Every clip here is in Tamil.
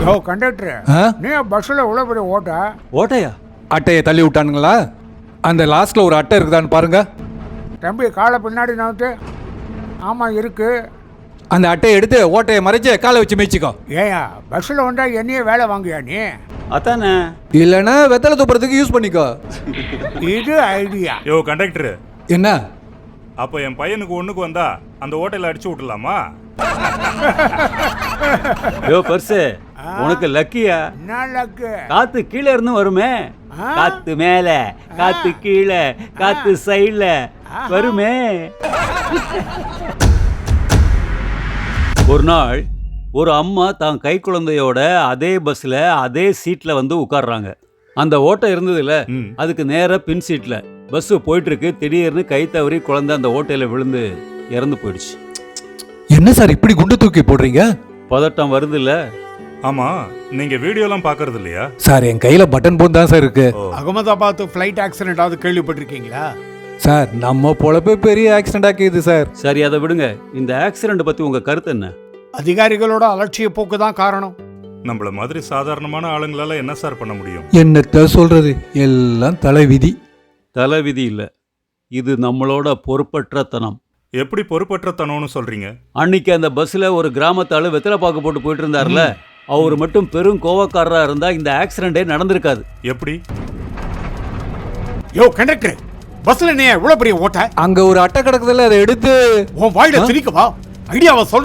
யோ கண்டக்டர், நீ பஸ்ஸில் இவ்வளோ பெரிய ஓட்டா? ஓட்டையா? அட்டையை தள்ளி விட்டானுங்களா? அந்த லாஸ்ட்ல ஒரு அட்டை இருக்குதான்னு பாருங்க. தம்பி காலை பின்னாடி நவுத்து. ஆமாம் இருக்கு. அந்த அட்டையை எடுத்து ஓட்டையை மறைச்சு காலை வச்சு மேய்ச்சிக்கோ. ஏயா பஸ்ஸில் வந்தா என்னையே வேலை வாங்குயா நீ? அதானே. இல்லைன்னா வெத்தலை துப்புறதுக்கு யூஸ் பண்ணிக்கோ. இது ஐடியா. யோ கண்டக்டர், என்ன அப்போ என் பையனுக்கு ஒண்ணுக்கு வந்தா அந்த ஓட்டையில அடிச்சு விட்டுலாமா? யோ பர்சு, உனக்கு லக்கியா? என்ன லக்கு? காத்து கீழே இருந்து வருமே. காத்து மேல, காத்து கீழே, காத்து சைடுல வருமே. ஒரு நாள் ஒரு அம்மா தான் கை குழந்தையோட அதே பஸ்ல அதே சீட்ல வந்து உட்கார்றாங்க. அந்த ஓட்டை இருந்ததுல அதுக்கு நேரா பின் சீட்ல பஸ் போயிட்டு இருக்கு. திடீர்னு கை தவறி குழந்தை அந்த ஓட்டையில விழுந்து இறந்து போயிடுச்சு. என்ன சார் இப்படி குண்டு தூக்கி போடுறீங்க? பதட்டம் வருது இல்ல? ஆமா, நீங்க வீடியோலாம் பாக்குறது இல்லையா? சார் என் கையில பட்டன் போன் தான் சார் இருக்கு. அகமதாபாத் ஃப்ளைட் ஆக்சிடென்ட் கேள்விப்பட்டிருக்கீங்களா? சார் நம்ம பொழப்பே பெரிய ஆக்சிடென்ட் ஆக்கிது சார். சரி அதை விடுங்க. இந்த ஆக்சிடென்ட் பத்தி உங்க கருத்து என்ன? அதிகாரிகளோட அலட்சிய போக்கு தான் காரணம். நம்மள மாதிரி சாதாரணமான ஆளுங்களால என்ன சார் பண்ண முடியும்? என்னத்த சொல்றது, எல்லாம் தலைவிதி. தலைவிதி இல்ல, இது நம்மளோட பொறுப்பற்றத்தனம். எப்படி பொறுப்பற்றத்தனம்னு சொல்றீங்க? அன்னைக்கு அந்த பஸ்ல ஒரு கிராமத்தாளு வெத்தலை பாக்கு போட்டு போயிட்டு இருந்தார்ல, அவர் மட்டும் பெரும் கோவக்காரரா இருந்தா இந்த ஆக்சிடென்டே நடந்திருக்காது. எப்படி? யோ கண்டக்டர், பஸ்ல நீ இவ்வளவு பெரிய ஓட்ட? அங்க ஒரு அட்டை கிடக்குதுல, அதை எடுத்து உன் வாயில திணிக்கவா? ஐடியாவை சொல்ற.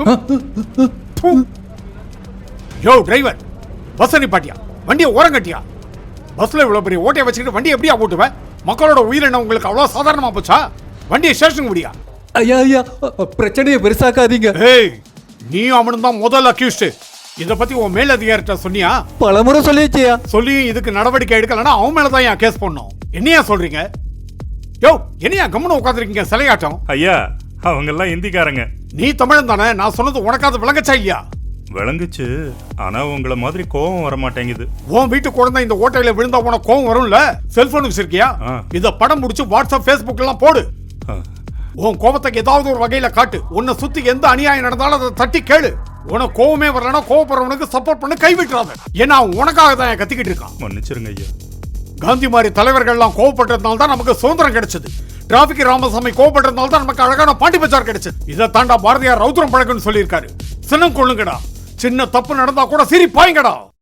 யோ டிரைவர், பஸ் நிப்பாட்டியா? வண்டியை ஓரம் கட்டியா? பஸ்ல இவ்வளவு பெரிய ஓட்டையை வச்சுக்கிட்டு வண்டி எப்படியா ஓட்டுவேன்? மக்களோட உயிர் என்ன உங்களுக்கு அவ்வளவு சாதாரணமா போச்சா? வண்டியை ஸ்டேஷனுக்கு முடியா? ஐயா ஐயா, பிரச்சனையை பெருசாக்காதீங்க. ஏய், நீ அவனும் தான் முதல் அக்யூஸ்ட். இத பத்தி உன் மேல் அதிகாரிட்ட சொன்னியா? பலமுறை சொல்லிச்சியா. சொல்லியும் இதுக்கு நடவடிக்கை எடுக்கலன்னா அவன் மேலதான் ஏன் கேஸ் பண்ணணும். என்னையா சொல்றீங்க? யோ என்னையா கம்முன்னு உட்காந்துருக்கீங்க சிலையாட்டம்? ஐயா, அவங்க எல்லாம் இந்திக்காரங்க. நீ தமிழன் தானே? நான் சொன்னது உனக்காவது விளங்கச்சா இல்லையா? விளங்குச்சு, ஆனா உங்களை மாதிரி கோபம் வர மாட்டேங்குது. உன் வீட்டு குழந்தை இந்த ஓட்டையில விழுந்தா உனக்கு கோவம் வரும்ல? செல்போன் வச்சிருக்கியா? இத படம் முடிச்சு வாட்ஸ்அப் ஃபேஸ்புக் எல்லாம் போடு. உன் கோபத்துக்கு ஏதாவது ஒரு வகையில காட்டு. உன்னை சுத்தி எந்த அநியாயம் நடந்தாலும் அதை தட்டி கேளு. உனக்கு கோவமே வரலன்னா கோவப்படுறவனுக்கு சப்போர்ட் பண்ண கைவிட்டுறாத. ஏன்னா உனக்காக தான் கத்திக்கிட்டு இருக்கான். மன்னிச்சிருங்க ஐயா. காந்தி மாதிரி தலைவர்கள் எல்லாம் கோவப்பட்டதுனால தான் நமக்கு சுதந்திரம் கிடைச்சது. டிராபிக் ராமசாமி கோவப்பட்டதுனால தான் நமக்கு அழகான பாண்டி பஜார் கிடைச்சது. இதை தாண்டா பாரதியார் ரௌத்ரம் பழகுன்னு சொல்லியிருக்காரு. சின்னம் கொள்ளுங்கடா, சின்ன தப்பு நடந்தா கூட சிரிப்பாய்ங்கடா.